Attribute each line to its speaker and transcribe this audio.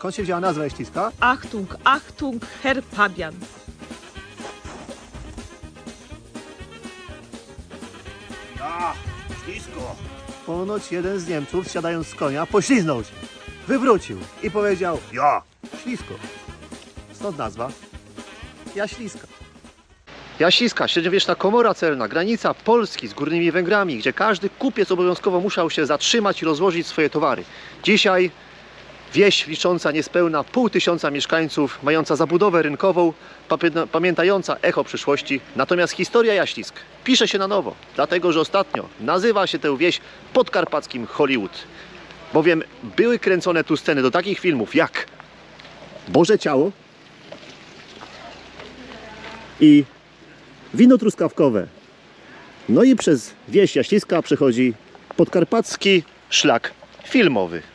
Speaker 1: Skąd się wzięła nazwa Jaśliska?
Speaker 2: Achtung, Achtung, Herr Pabian.
Speaker 1: Ślisko. Ponoć jeden z Niemców, siadając z konia, pośliznął się, wywrócił i powiedział: ja, ślisko. Stąd nazwa Jaśliska. Jaśliska, średniowieczna komora celna, granica Polski z Górnymi Węgrami, gdzie każdy kupiec obowiązkowo musiał się zatrzymać i rozłożyć swoje towary. Dzisiaj wieś licząca niespełna 500 mieszkańców, mająca zabudowę rynkową, pamiętająca echo przyszłości. Natomiast historia Jaślisk pisze się na nowo, dlatego że ostatnio nazywa się tę wieś podkarpackim Hollywood. Bowiem były kręcone tu sceny do takich filmów jak Boże Ciało i Wino truskawkowe. No i przez wieś Jaśliska przechodzi podkarpacki szlak filmowy.